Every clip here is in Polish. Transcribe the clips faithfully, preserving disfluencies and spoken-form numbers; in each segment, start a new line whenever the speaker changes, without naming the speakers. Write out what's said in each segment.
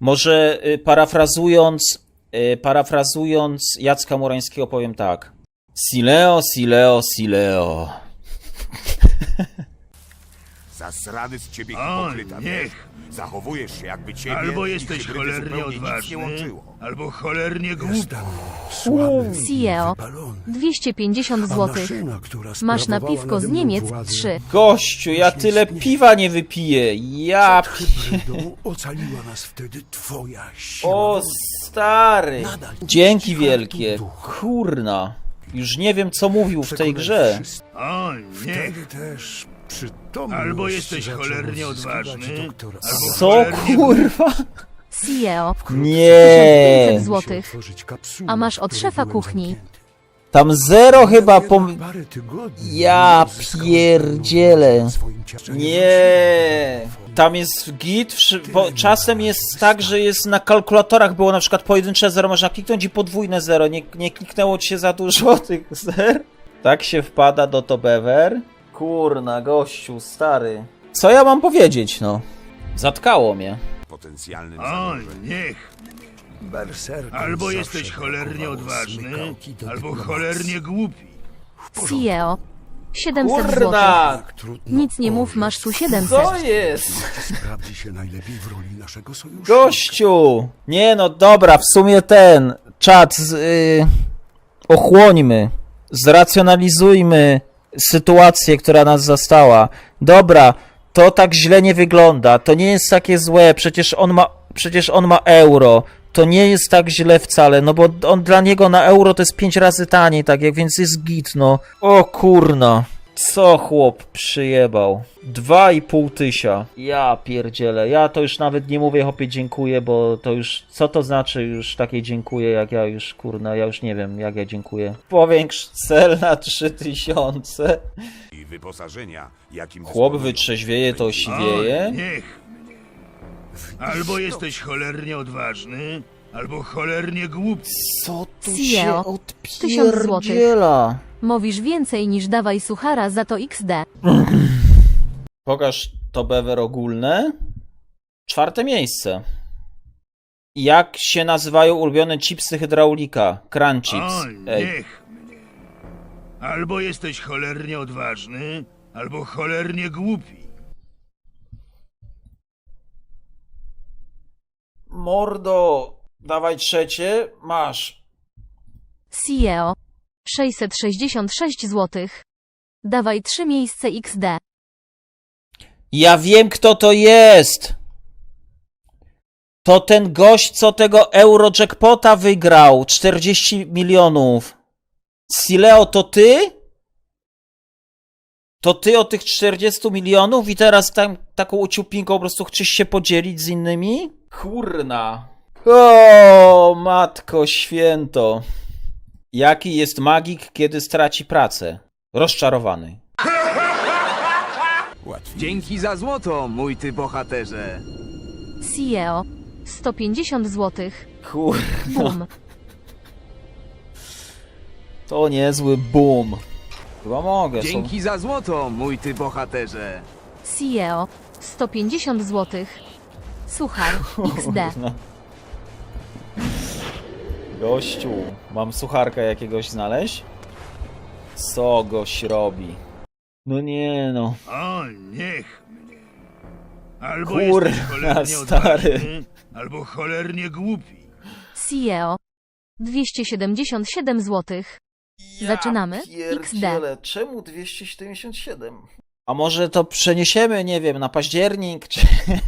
Może y, parafrazując, y, parafrazując Jacka Murańskiego powiem tak. Sileo, sileo, sileo.
Zasrany z ciebie
O,
hipokryta,
niech.
wiesz? Zachowujesz się jakby ciebie
Albo
i
jesteś
hybrydy
cholernie
zupełnie nic nie
odważny,
łączyło.
albo cholernie głupi.
Jestem słaby i
Sieo.
wypalony.
dwieście pięćdziesiąt
A
złotych.
maszyna, która
Masz na
sprawowała
piwko z
nade mną
Niemiec
władzę,
trzy.
Gościu, ja tyle piwa nie wypiję. Ja
przed
pi...
hybrydą ocaliła nas wtedy twoja siła.
O
woli.
stary.
Nadal
Dzięki
ci
wielkie.
kartu ducha.
Kurna. Już nie wiem co mówił w tej
Przekonaj
grze.
wszystkich.
O, niech.
Wtedy też przytomność
Albo jesteś
zaczął
cholernie
odzyskiwać
odważny,
doktor
albo
Co
cholernie
kurwa?
Sieo.
Nie.
pięćset złotych.
otworzyć kapsuły,
A masz
w
od
której
szefa
byłem
kuchni.
zamknięty.
Tam zero chyba pom...
Parę tygodni
Ja
uzyskałem
pierdzielę.
pełną władzę w swoim ciele.
Nie. Tam jest git, wszy- bo czasem jest tak, że jest na kalkulatorach było na przykład pojedyncze zero, można kliknąć i podwójne zero. Nie, nie kliknęło ci się za dużo tych zer? Tak się wpada do to bewer? Kurna, gościu, stary. Co ja mam powiedzieć, no? Zatkało mnie.
Potencjalnym
O,
zagrożeniem.
niech.
Berserker
Albo
zawsze
jesteś cholernie
brakowało
odważny,
smykałki do
albo
dyplomacji.
cholernie głupi.
Sieo. siedemset złotych.
Kurna!
Jak trudno
Nic nie mów,
orzec,
masz tu siedemset.
Co jest?
sprawdzi się najlepiej w roli naszego sojuszu.
Gościu! Nie no, dobra, w sumie ten czat z, y, ochłońmy, zracjonalizujmy sytuację, która nas zastała. Dobra, to tak źle nie wygląda, to nie jest takie złe, przecież on ma, przecież on ma euro. To nie jest tak źle wcale, no bo on dla niego na euro to jest pięć razy taniej, tak jak, więc jest git, no. O kurna. Co chłop przyjebał? Dwa i pół tysia. Ja pierdzielę. Ja to już nawet nie mówię chłopie dziękuję, bo to już... Co to znaczy już takie dziękuję, jak ja już, kurna, ja już nie wiem, jak ja dziękuję. Powiększ cel na trzy tysiące.
I wyposażenia, jakim
Chłop
dysponują.
wytrzeźwieje, to
O,
osiwieje.
niech. Albo jesteś cholernie odważny, albo cholernie głupi.
Co tu
Sieo.
się
tysiąc złotych.
odpierdziela?
Mówisz więcej niż dawaj suchara za to iks de.
Pokaż to bewer ogólne. Czwarte miejsce. Jak się nazywają ulubione chipsy hydraulika? Crunch chips.
O,
Ej.
niech. Albo jesteś cholernie odważny, albo cholernie głupi.
Mordo, dawaj trzecie, masz.
Sieo. sześćset sześćdziesiąt sześć złotych. Dawaj trzy miejsce iks de.
Ja wiem, kto to jest. To ten gość, co tego Eurojackpota wygrał. czterdzieści milionów. Sileo, to ty? To ty o tych czterdziestu milionów i teraz tam taką uciupinką po prostu chcesz się podzielić z innymi? Kurna. O, matko święto. Jaki jest magik, kiedy straci pracę? Rozczarowany.
Dzięki za złoto, mój ty bohaterze.
Sieo. sto pięćdziesiąt złotych.
Kurna.
Bum.
To niezły boom. Chyba mogę.
Dzięki za złoto, mój ty bohaterze.
Sieo. sto pięćdziesiąt złotych. Suchar. iks de.
No. Gościu, mam sucharka jakiegoś znaleźć? Co gość robi? No nie no.
O, niech. Albo
Kurna,
jesteś cholernie
stary.
odważny, albo cholernie głupi.
Sieo. dwieście siedemdziesiąt siedem złotych. Zaczynamy? iks de.
Pierdziele, czemu dwieście siedemdziesiąt siedem? A może to przeniesiemy, nie wiem, na październik, czy...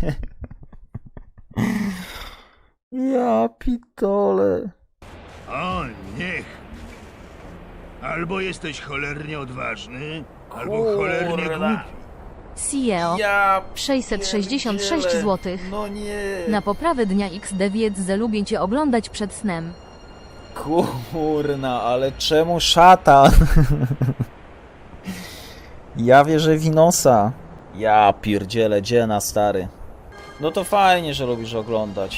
Ja pitole.
O, niech. Albo jesteś cholernie odważny, albo cholernie
Kurna.
głupi.
Sieo.
Ja
sześćset sześćdziesiąt sześć
pierdzielę.
złotych.
No nie.
Na poprawę dnia iks de wiedz, że lubię cię oglądać przed snem.
Kurna, ale czemu szatan? Ja wierzę w Inosa. Ja pierdzielę, dziena stary. No to fajnie, że lubisz oglądać.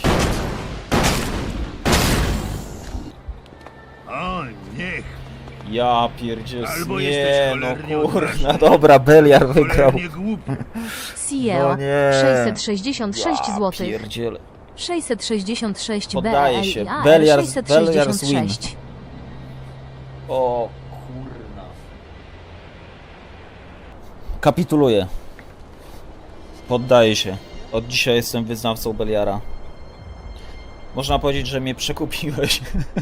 O, niech.
Ja pierdzielę,
Albo
nie
jesteś
no
cholernie
kurna,
odważny.
dobra, Beliar wygrał.
Cholernie głupi.
Sieo.
No nie.
sześćset sześćdziesiąt sześć
Ja
złotych.
pierdzielę.
sześćset sześćdziesiąt sześć
Poddaję się.
B L I A R
Beliar-
sześćset
Beliar
sześćdziesiąt
Swim.
sześć.
O kurna. Kapituluję. Poddaję się. Od dzisiaj jestem wyznawcą Beliara. Można powiedzieć, że mnie przekupiłeś.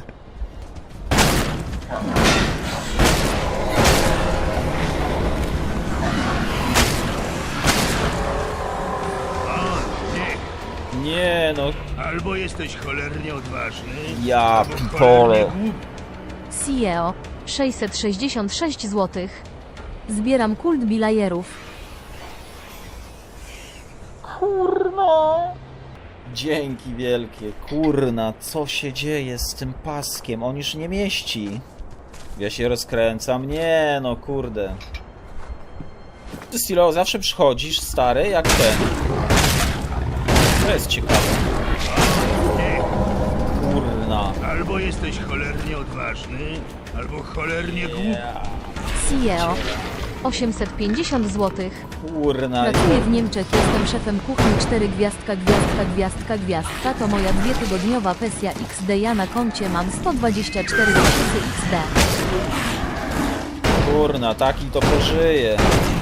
O, niech.
Nie no,
Albo jesteś cholernie odważny,
ja
albo
pitole.
cholernie głupi.
C E O sześćset sześćdziesiąt sześć złotych. Zbieram kult bilajerów.
Kurna. Dzięki wielkie. Kurna, co się dzieje z tym paskiem? On już nie mieści. Ja się rozkręcam. Nie no, kurde. Ty, Stilo, zawsze przychodzisz, stary, jak ten. To jest ciekawe. Kurna.
Albo jesteś cholernie odważny, albo cholernie głupi.
Ja,
C E O osiemset pięćdziesiąt złotych.
kurna.
Pracuję w Niemczech, jestem szefem kuchni cztery gwiazdka, gwiazdka, gwiazdka, gwiazdka. To moja dwutygodniowa pensja X D. Ja na koncie mam sto dwadzieścia cztery tysiące X D.
Kurna, taki to pożyje.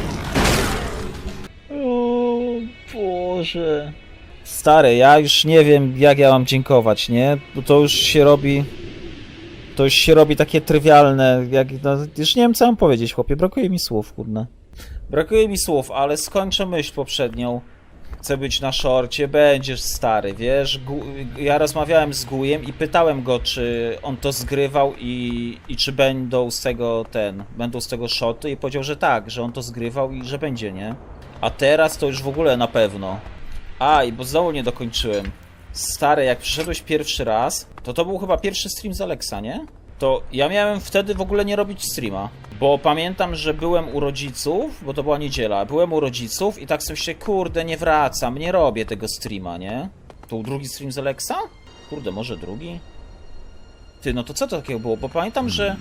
O Boże. Stary, ja już nie wiem, jak ja mam dziękować, nie? Bo to już się robi... To już się robi takie trywialne, jak... No, już nie wiem, co mam powiedzieć, chłopie. Brakuje mi słów, kurna. Brakuje mi słów, ale skończę myśl poprzednią. Chcę być na szorcie, będziesz stary, wiesz? Gu... Ja rozmawiałem z Gujem i pytałem go, czy on to zgrywał i, i czy będą z tego ten, będą z tego szoty i powiedział, że tak, że on to zgrywał i że będzie, nie? A teraz to już w ogóle na pewno. A, i bo znowu nie dokończyłem. Stary, jak przyszedłeś pierwszy raz, to to był chyba pierwszy stream z Alexa, nie? To ja miałem wtedy w ogóle nie robić streama. Bo pamiętam, że byłem u rodziców, bo to była niedziela, byłem u rodziców i tak sobie się, kurde, nie wracam, nie robię tego streama, nie? To był drugi stream z Alexa? Kurde, może drugi? Ty, no to co to takiego było? Bo pamiętam, że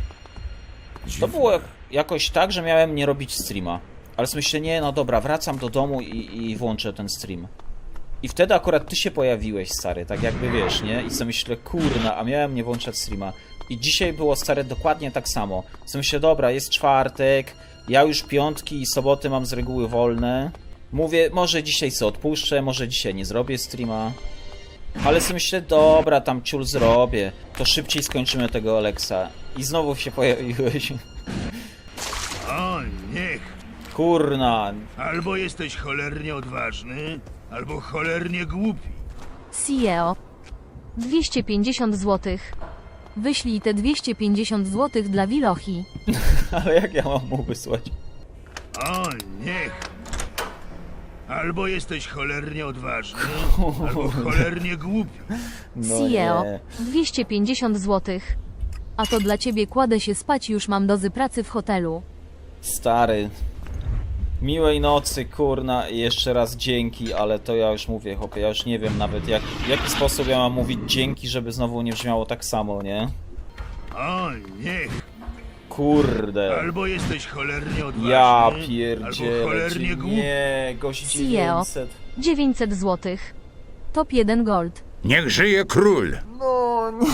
to było jakoś tak, że miałem nie robić streama. Ale sobie myślę, nie, no dobra, wracam do domu i, i włączę ten stream. I wtedy akurat ty się pojawiłeś, stary, tak jakby wiesz, nie? I sobie myślę, kurna, a miałem nie włączać streama. I dzisiaj było, stare, dokładnie tak samo. Sobie myślę, dobra, jest czwartek, ja już piątki i soboty mam z reguły wolne. Mówię, może dzisiaj co odpuszczę, może dzisiaj nie zrobię streama. Ale sobie myślę, dobra, tam ciul zrobię, to szybciej skończymy tego Alexa. I znowu się pojawiłeś.
O, niech.
Kurna.
Albo jesteś cholernie odważny, albo cholernie głupi.
C E O dwieście pięćdziesiąt złotych. Wyślij te dwieście pięćdziesiąt złotych dla Wilochi.
Ale jak ja mam mu wysłać?
O, niech. Albo jesteś cholernie odważny, albo cholernie głupi.
No
C E O
nie.
dwieście pięćdziesiąt złotych. A to dla ciebie, kładę się spać, już mam dozy pracy w hotelu.
Stary. Miłej nocy, kurna, i jeszcze raz dzięki, ale to ja już mówię, chłopie, ja już nie wiem nawet jak, w jaki sposób ja mam mówić dzięki, żeby znowu nie brzmiało tak samo, nie?
O, niech.
Kurde.
Albo jesteś cholernie odważny,
Ja
albo
pierdzielę,
cholernie
czy
głupi.
nie, gość
C E O
dziewięćset.
dziewięćset złotych. Top jeden gold.
Niech żyje król!
No nie.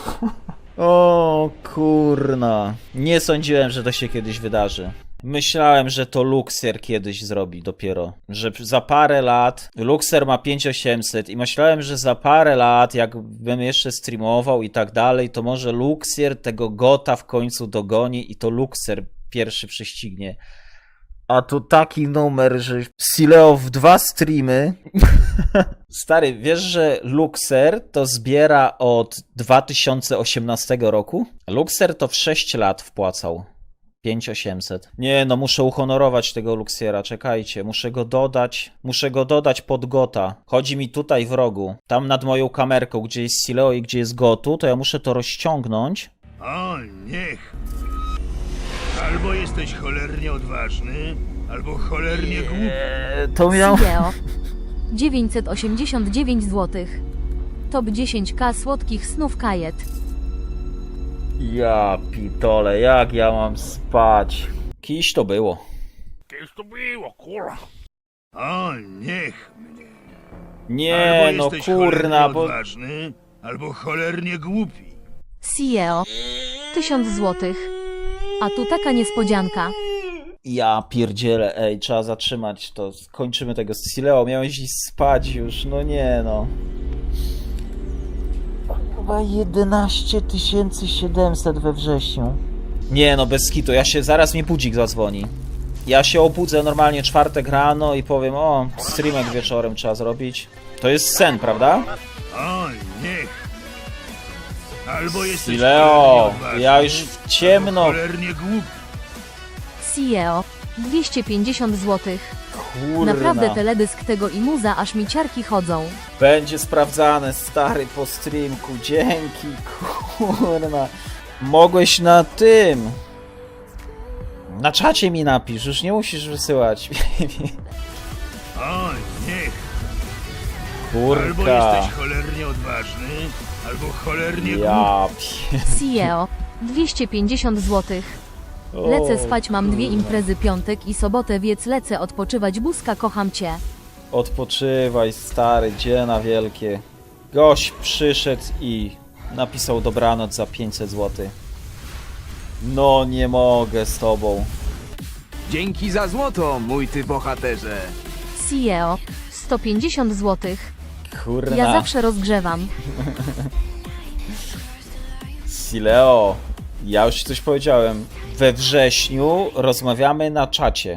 O kurna. Nie sądziłem, że to się kiedyś wydarzy. Myślałem, że to Luxer kiedyś zrobi dopiero. Że za parę lat... Luxer ma pięć tysięcy osiemset i myślałem, że za parę lat, jakbym jeszcze streamował i tak dalej, to może Luxer tego Gota w końcu dogoni i to Luxer pierwszy prześcignie. A tu taki numer, że Sileo w dwa streamy... Stary, wiesz, że Luxer to zbiera od dwa tysiące osiemnastego roku? Luxer to w sześć lat wpłacał. pięć tysięcy osiemset. Nie, no muszę uhonorować tego Luxiera, czekajcie, muszę go dodać, muszę go dodać pod Gota. Chodzi mi tutaj w rogu, tam nad moją kamerką, gdzie jest Sileo i gdzie jest Gotu, to ja muszę to rozciągnąć.
O, niech. Albo jesteś cholernie odważny, albo cholernie głupi.
Eee, to miał...
C E O dziewięćset osiemdziesiąt dziewięć złotych. Top dziesięć ka słodkich snów kajet.
Ja pitole, jak ja mam spać? Kiś to było.
O, niech mnie.
Nie,
albo
no
jesteś
kurna,
cholernie
bo...
odważny, albo cholernie głupi.
C E O. tysiąc złotych. A tu taka niespodzianka.
Ja pierdzielę, ej, trzeba zatrzymać to. Kończymy tego z Sileo. Miałeś iść spać już, no nie no. Chyba jedenaście tysięcy siedemset we wrześniu. Nie no, bez kitu, ja się, zaraz mi budzik zadzwoni. Ja się obudzę normalnie czwartek rano i powiem, o, streamek wieczorem trzeba zrobić. To jest sen, prawda?
Oj, niech. Albo jesteś
Sileo,
cholernie odważny,
ja już w ciemno.
albo cholernie głupi.
C E O. dwieście pięćdziesiąt złotych.
Kurna.
Naprawdę teledysk tego i muza, aż mi ciarki chodzą.
Będzie sprawdzane, stary, po streamku. Dzięki, kurna. Mogłeś na tym. Na czacie mi napisz, już nie musisz wysyłać.
Oj, niech. Albo
Kurka.
jesteś cholernie odważny, albo cholernie głupi.
Ja pie...
C E O. dwieście pięćdziesiąt złotych. Lecę spać, mam dwie imprezy piątek i sobotę, więc lecę odpoczywać. Buzka, kocham cię.
Odpoczywaj, stary, dziena wielkie. Gość przyszedł i napisał dobranoc za pięćset złotych. No nie mogę z tobą.
Dzięki za złoto, mój ty bohaterze.
C E O. sto pięćdziesiąt złotych.
Kurna.
Ja zawsze rozgrzewam.
Sileo, ja już ci coś powiedziałem. We wrześniu rozmawiamy na czacie.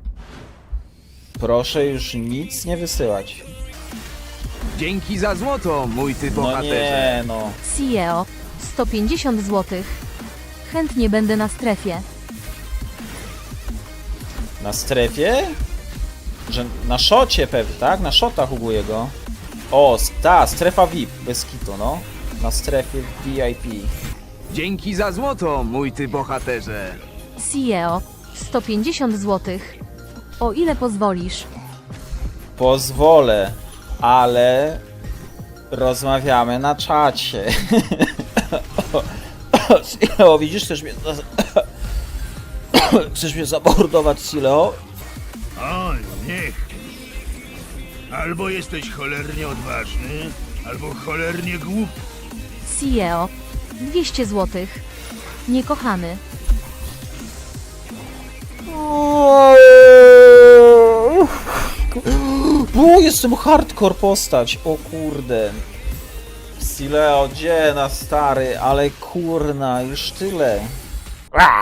Proszę już nic nie wysyłać.
Dzięki za złoto, mój ty
No
bohaterze.
nie, no.
C E O. sto pięćdziesiąt złotych. Chętnie będę na strefie.
Na strefie? Że na szocie pewnie, tak? Na szotach u jego. O, ta, strefa V I P, bez kitu, no. Na strefie V I P.
Dzięki za złoto, mój ty bohaterze.
C E O. sto pięćdziesiąt złotych. O ile pozwolisz?
Pozwolę, ale rozmawiamy na czacie. Sileo, widzisz, chcesz mnie... Chcesz mnie zamordować, Sileo?
Oj, niech. Albo jesteś cholernie odważny, albo cholernie głupi.
C E O. dwieście złotych. Niekochany.
O, jestem hardcore postać, o kurde. Sileo, dziena stary, ale kurna, już tyle.